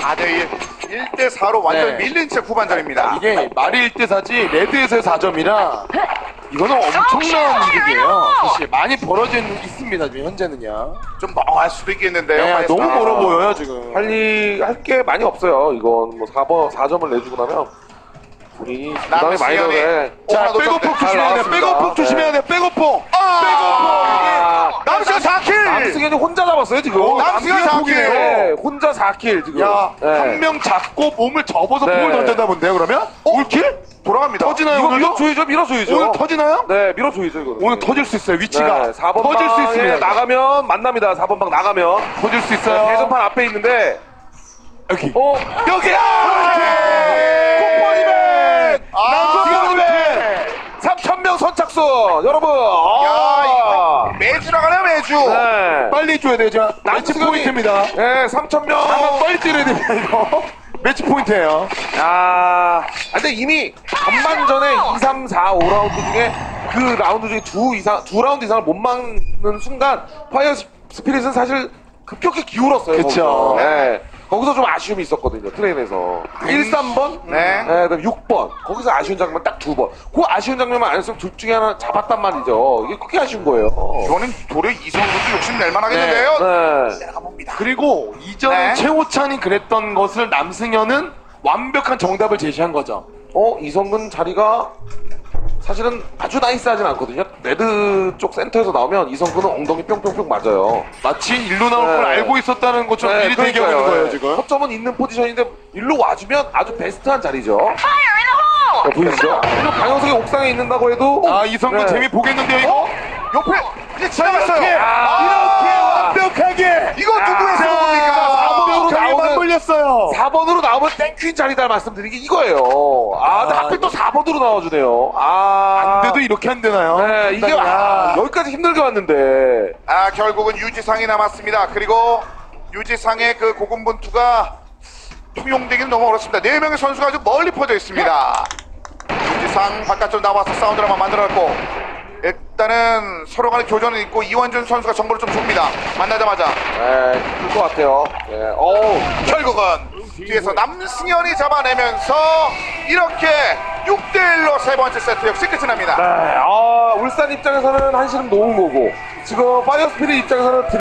4대1, 1대4로 완전 밀린 채 후반전입니다. 이게 말이 1대4지 레드에서의 4점이라 이거는 엄청난 이득이에요. 사실 많이 벌어져 있습니다. 지금 현재는요. 좀 멍할 수도 있겠는데요. 네, 너무 멀어 보여요 지금. 빨리 할 게 많이 없어요. 이건 뭐 4점을 내주고 나면 우리 부담이 많이 되네. 자, 백오폭 조심해야 돼. 백오폭 조심해야 돼. 백오폭. 백오폭. 남승현 4킬! 남승현이 혼자 잡았어요 지금. 남승현 4킬! 네, 혼자 4킬 지금. 야, 네. 한 명 잡고 몸을 접어서 네. 공을 던졌나 본데요, 그러면? 올킬? 돌아갑니다. 터지나요, 이거 오늘도? 밀어줘야죠, 밀어줘야죠. 오늘 터지나요? 네, 밀어줘야죠 이거. 오늘 터질 수 있어요, 위치가. 네, 4번 터질 수 방에 있습니다. 나가면 만납니다. 4번 방 나가면. 터질 수 있어요. 대전판 앞에 있는데. 여기. 여기야! 쿠퍼니맨! 남승현이맨! 3,000명 선착순! 여러분! 야, 이거 매주 나가네요, 매주. 네. 빨리 줘야 돼요, 자. 매치 남승현이- 포인트입니다. 네, 3,000명! 한번 빨리 뛰어야 됩니다, 이거. 매치 포인트예요. 야, 근데 이미 전반전에 2, 3, 4, 5라운드 중에 그 라운드 중에 두 라운드 이상을 못 막는 순간 파이어 스피릿은 사실 급격히 기울었어요. 그쵸. 거기서. 네. 거기서 좀 아쉬움이 있었거든요, 트레인에서. 1, 3번, 네. 그다음 6번. 거기서 아쉬운 장면 딱 2번. 그 아쉬운 장면만 안 했으면 둘 중에 하나 잡았단 말이죠. 이게 그렇게 아쉬운 거예요. 이거는 도리어 이성훈도 욕심 낼 만하겠는데요. 네. 내려가봅니다. 그리고 이전 네. 최호찬이 그랬던 것을 남승현은 완벽한 정답을 제시한 거죠. 이성근 자리가 사실은 아주 나이스하진 않거든요. 레드 쪽 센터에서 나오면 이성근은 엉덩이 뿅뿅뿅 맞아요. 마치 일로 나올 네. 걸 알고 있었다는 것처럼 미리 대기하고 있는 거예요, 지금. 허점은 있는 포지션인데 일로 와주면 아주 베스트한 자리죠. 보이시죠? 그리고 방영석이 옥상에 있는다고 해도 아, 이성근 네. 재미 보겠는데요, 이거? 옆에 이제 지나갔어요. 이렇게 완벽하게! 이거 누구의 자, 성공입니까? 완벽하게 나오는- 맞물렸어요. 4번으로 나오면 땡큐인 자리다 말씀드린 게 이거예요. 근데 하필 또 4번으로 나와주네요. 안 돼도 이렇게 안 되나요? 네, 이게 여기까지 힘들게 왔는데. 결국은 유지상이 남았습니다. 그리고 유지상의 그 고군분투가 통용되기는 너무 어렵습니다. 4명의 선수가 아주 멀리 퍼져 있습니다. 유지상 바깥쪽 나와서 사운드를 한번 만들어놨고 일단은 서로 간의 교전은 있고 이원준 선수가 정보를 좀 줍니다. 만나자마자 힘들 것 같아요. 결국은 뒤에서 남승현이 잡아내면서 이렇게 6대1로 세 번째 세트 역시 끝이 납니다. 울산 입장에서는 한시름 놓은 거고, 지금 파이어 스피릿 입장에서는